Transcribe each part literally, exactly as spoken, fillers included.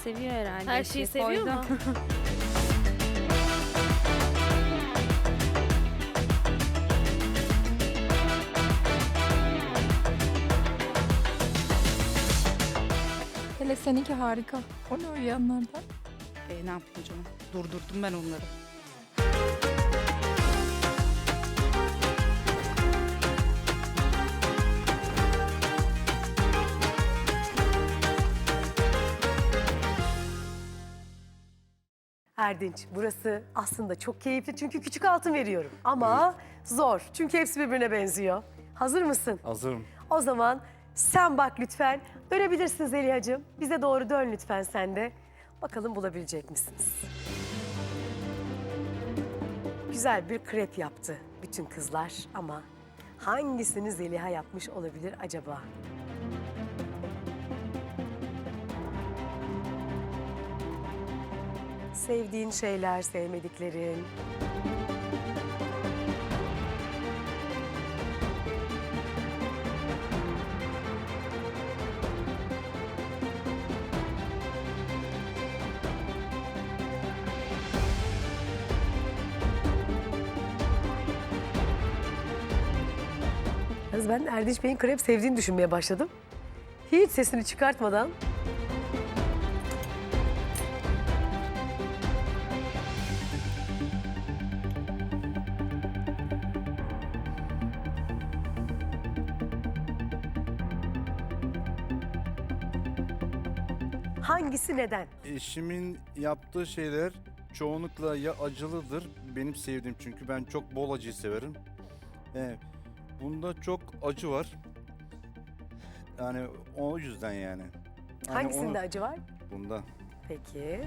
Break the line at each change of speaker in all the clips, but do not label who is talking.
seviyor herhalde.
Her
İşte
şeyi seviyor
koydu.
mu?
Hele seninki harika. O ne uyuyanlardan?
E, ne yapayım canım? Durdurdum ben onları.
Erdinç, burası aslında çok keyifli çünkü küçük altın veriyorum. Ama zor çünkü hepsi birbirine benziyor. Hazır mısın?
Hazırım.
O zaman sen bak lütfen. Dönebilirsin Zeliha'cığım. Bize doğru dön lütfen sen de. Bakalım bulabilecek misiniz? Güzel bir krep yaptı bütün kızlar ama hangisini Zeliha yapmış olabilir acaba? Sevdiğin şeyler, sevmediklerin. Yalnız ben Erdinç Bey'in krep sevdiğini düşünmeye başladım. Hiç sesini çıkartmadan. Hangisi neden?
Eşimin yaptığı şeyler çoğunlukla ya acılıdır. Benim sevdiğim çünkü ben çok bol acıyı severim. Ee, bunda çok acı var. Yani o yüzden yani. Hani
Hangisinde
onu-
acı var?
Bunda.
Peki.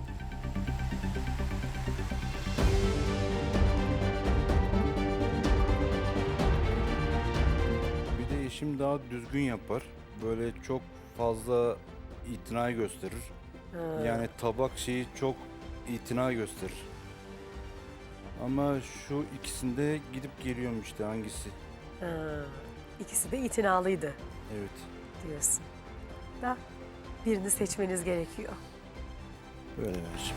Bir de eşim daha düzgün yapar. Böyle çok fazla itina gösterir.
Ha.
Yani tabak şeyi çok itina gösterir. Ama şu ikisinde gidip geliyorum işte hangisi.
Ha. İkisi de itinalıydı
Evet.
diyorsun. Da birini seçmeniz gerekiyor.
Böyle eşim.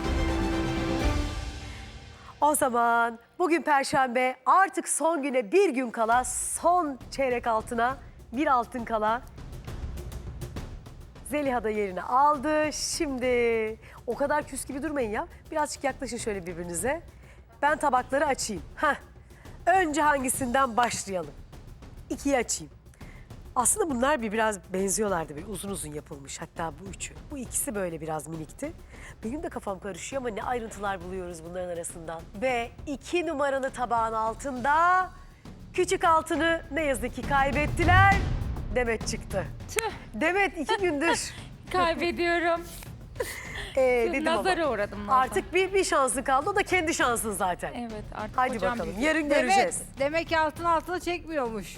O zaman bugün Perşembe, artık son güne bir gün kala, son çeyrek altına bir altın kala. Zeliha da yerini aldı. Şimdi o kadar küs gibi durmayın ya. Birazcık yaklaşın şöyle birbirinize. Ben tabakları açayım. Heh. Önce hangisinden başlayalım? İkiyi açayım. Aslında bunlar bir biraz benziyorlardı. Bir uzun uzun yapılmış, hatta bu üçü. Bu ikisi böyle biraz minikti. Benim de kafam karışıyor ama ne ayrıntılar buluyoruz bunların arasından. Ve iki numaralı tabağın altında küçük altını ne yazık ki kaybettiler. Demet çıktı.
Tüh,
Demet iki gündür
kaybediyorum.
ee, dedim ama
Nazara uğradım. nazar.
artık bir, bir şansı kaldı. O da kendi şansın zaten.
Evet, artık
Hadi
hocam
bakalım,
büyük.
yarın göreceğiz.
Demek, demek ki altın altına çekmiyormuş.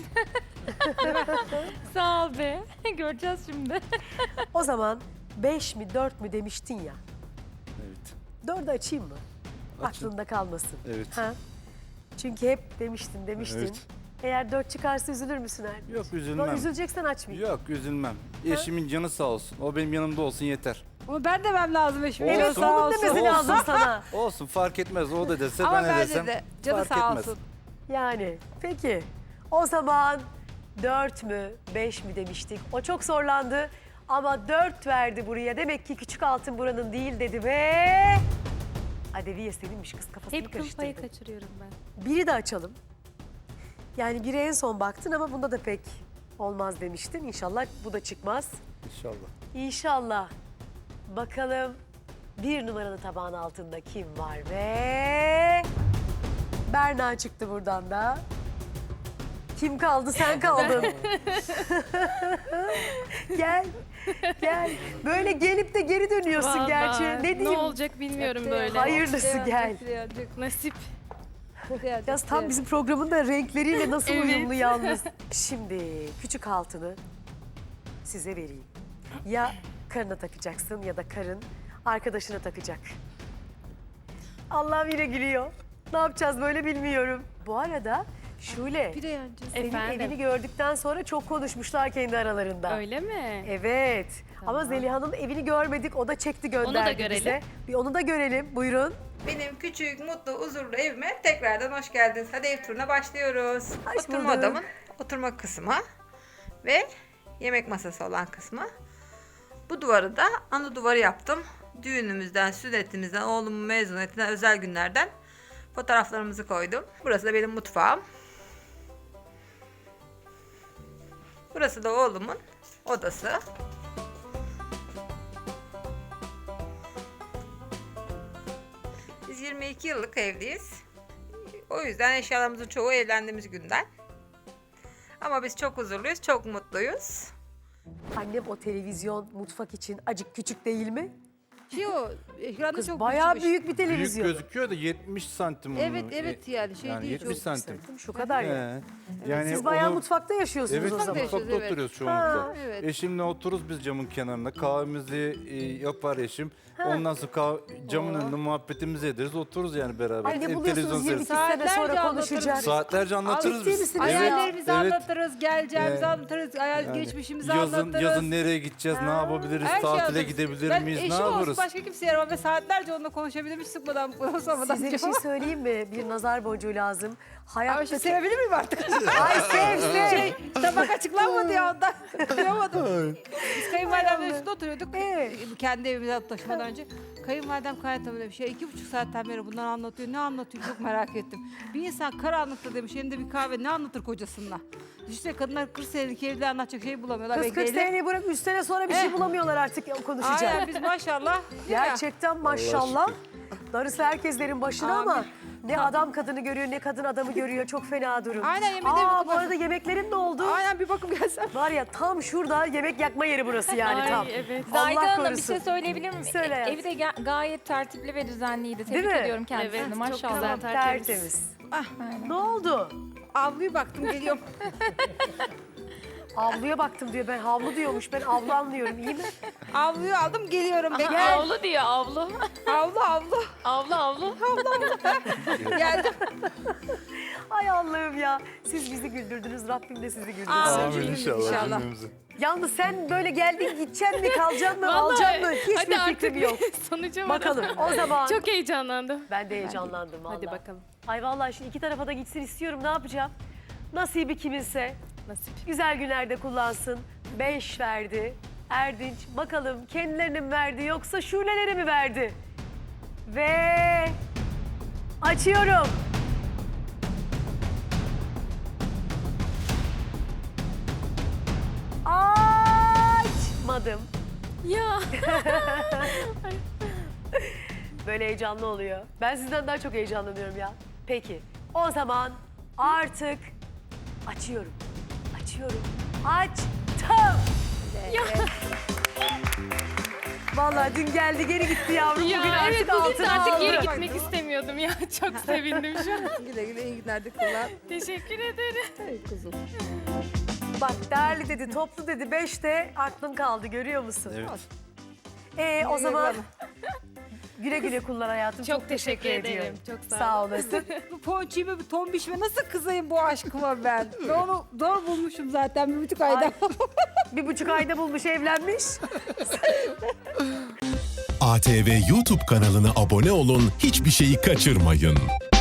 Sağ ol be. Göreceğiz şimdi.
O zaman beş mi dört mü demiştin ya.
Evet.
Dördü açayım mı?
Açın.
Aklında kalmasın.
Evet.
Ha? Çünkü hep demiştin demiştin.
Evet.
Eğer dört çıkarsa üzülür müsün Erdinç?
Yok
Yok,
üzülmem.
üzüleceksen açmayayım.
Yok üzülmem. Eşimin canı sağ olsun. O benim yanımda olsun yeter.
Ama ben demem lazım eşime.
Olsun.
Evet,
Sağ
onun
olsun.
demesi lazım sana.
Olsun fark etmez. O da dese
Ama
ben de
bence
desem
de canı
fark
sağ
etmez.
olsun.
Yani peki o zaman dört mü beş mi demiştik. O çok zorlandı ama dört verdi buraya. Demek ki küçük altın buranın değil dedi ve... Adeviye seninmiş, kız kafasını
Hep kıl payı
karıştırdı.
kaçırıyorum ben.
Biri de açalım. Yani biri en son baktın ama bunda da pek olmaz demiştin. İnşallah bu da çıkmaz.
İnşallah.
İnşallah. Bakalım bir numaralı tabağın altında kim var ve... Berna çıktı buradan da. Kim kaldı? Sen kaldın. Gel. Gel. Böyle gelip de geri dönüyorsun
Vallahi
gerçi. Ne diyeyim?
Ne olacak bilmiyorum böyle.
Hayırlısı gel.
Nasip.
Yalnız tam bizim programın da renkleriyle nasıl
Evet.
uyumlu yalnız. Şimdi küçük altını size vereyim. Ya karına takacaksın ya da karın arkadaşına takacak. Allah'ım yine gülüyor. Ne yapacağız böyle bilmiyorum. Bu arada Şule,
Bir de yancı.
senin
Efendim?
evini gördükten sonra çok konuşmuşlar kendi aralarında.
Öyle mi?
Evet. Ama Zeliha'nın evini görmedik. O da çekti gönderdi
Onu da görelim.
bize. Bir onu da görelim. Buyurun.
Benim küçük, mutlu, huzurlu evime tekrardan hoş geldiniz. Hadi ev turuna başlıyoruz.
Hoş
Oturma
bulduk.
odamın oturma kısmı ve yemek masası olan kısmı. Bu duvarı da ana duvarı yaptım. Düğünümüzden, sünnetimizden, oğlumun mezuniyetinden, özel günlerden fotoğraflarımızı koydum. Burası da benim mutfağım. Burası da oğlumun odası. Biz yirmi iki yıllık evliyiz. O yüzden eşyalarımızın çoğu evlendiğimiz günden. Ama biz çok huzurluyuz, çok mutluyuz.
Annem o televizyon mutfak için acık küçük değil mi?
Şey o, ekranda
Kız
çok
bayağı
küçükmüş.
büyük bir
Büyük
televizyon.
gözüküyor da yetmiş santim.
Evet,
onun.
evet
E,
yani şey
yani
değil.
yetmiş
çok-
santim.
Şu kadar ya.
He. Yani
Siz bayağı
onu-
mutfakta yaşıyorsunuz
Evet,
o zaman.
yaşıyoruz,
mutfakta
evet.
oturuyoruz çoğunlukla.
Ha,
evet.
Eşimle otururuz biz camın kenarında. Kahvemizi e, yapar eşim. Ondan sonra kah- camın önünde muhabbetimizi ederiz. Otururuz yani beraber.
Ay ne
E,
buluyorsunuz
televizyon
yirmi iki
seyrederiz.
sene sonra
Saatlerce
konuşacağız.
Saatlerce anlatırız
ciddi
biz.
misiniz
Evet,
Hayallerimizi
evet.
anlatırız, geleceğimizi
Ee,
anlatırız, hayal
Yani
geçmişimizi
yazın,
anlatırız.
yazın nereye gideceğiz, ne yapabiliriz,
Her şey
tatile
anlatırız.
gidebilir
Ben
miyiz, ne
eşim olsun
yaparız?
başka kimse yaramam ve saatlerce onunla konuşabilirim hiç sıkmadan, sormadan.
Size bir şey söyleyeyim mi? Bir nazar boncuğu lazım.
Ama şimdi
Hayattaki...
sevebilir miyim artık?
Ay sev sev.
şey, tabak açıklanmadı ya ondan. Kıyamadım. Biz kayınvalidemle üstünde oturuyorduk.
Evet.
Kendi evimize taşımadan önce. Kayınvalidem kaynatamı demiş. Ya iki buçuk saatten beri bunları anlatıyor. Ne anlatıyor çok merak ettim. Bir insan karanlıkta demiş elinde bir kahve ne anlatır kocasına? İşte kadınlar kırk senelik evliliği anlatacak şey bulamıyorlar.
Kız kırk
bekleyelim.
seneyi bırak üç sene sonra bir şey
Eh.
bulamıyorlar artık konuşacak.
Aynen biz maşallah.
Gerçekten maşallah. Darısı herkeslerin başına ama
Amin.
ne adam kadını görüyor ne kadın adamı görüyor. Çok fena durum.
Aynen, yemin
Aa,
ederim.
bu arada yemeklerin ne oldu?
Aynen bir bakım gelsem.
Var ya tam şurada yemek yakma yeri burası yani
Ay,
tam.
evet.
Zahide
Allah
Hanım bir
korusun.
şey söyleyebilir miyim?
Söyle
E-
hayatım.
Evi de ga- gayet tertipli ve düzenliydi.
Değil
Tebrik
mi?
ediyorum kendisini.
Evet, çok
Maşallah.
güzel.
Tertemiz.
Tertemiz.
Ne oldu?
Avluyu baktım geliyorum.
Avluya baktım diyor. Ben havlu diyormuş. Ben avlu anlıyorum. İyi mi?
Avluyu aldım geliyorum. Bekle.
Avlu diyor avlu.
Avlu avlu.
avlu avlu.
Geldim.
Ay Allah'ım ya. Siz bizi güldürdünüz. Rabbim de sizi güldürsün.
Amin.
Amin inşallah.
İnşallah.
cümlemizi.
Yalnız sen böyle geldin gideceksin mi kalacaksın mı
Vallahi,
alacaksın mı hiçbir
hadi artık
fikrim yok.
sonuca
Bakalım
varalım.
o zaman.
Çok heyecanlandım.
Ben de heyecanlandım vallahi.
Hadi bakalım.
Ay vallahi şu iki tarafa da gitsin istiyorum. Ne yapacağım? Nasibi kiminse.
Nasip.
Güzel günlerde kullansın. Beş verdi. Erdinç bakalım kendilerine mi verdi yoksa şulelere mi verdi? Ve açıyorum. Açmadım.
Ya.
Böyle heyecanlı oluyor. Ben sizden daha çok heyecanlanıyorum ya. Peki o zaman artık açıyorum. Açıyorum. Açtım. Vallahi dün geldi geri gitti yavrum.
Ya
bugün artık
evet bugün de
altına
artık
aldı.
geri gitmek istemiyordum ya. Çok sevindim şu an.
Güle güle iyi günler de kullan.
Teşekkür ederim.
Hey kuzum.
Bak değerli dedi, toplu dedi. Beşte aklın kaldı görüyor musun?
Evet.
Ee, o
Güle
zaman
güle.
güle güle kullan hayatım.
Çok teşekkür ederim.
ediyorum.
Çok sağ
Sağ olasın.
Bu ponçiği ve bu tombişime nasıl kızayım bu aşkıma ben? Ben onu zor bulmuşum zaten bir buçuk ayda.
Ay, bir buçuk ayda bulmuş evlenmiş.
A T V YouTube kanalına abone olun, hiçbir şeyi kaçırmayın.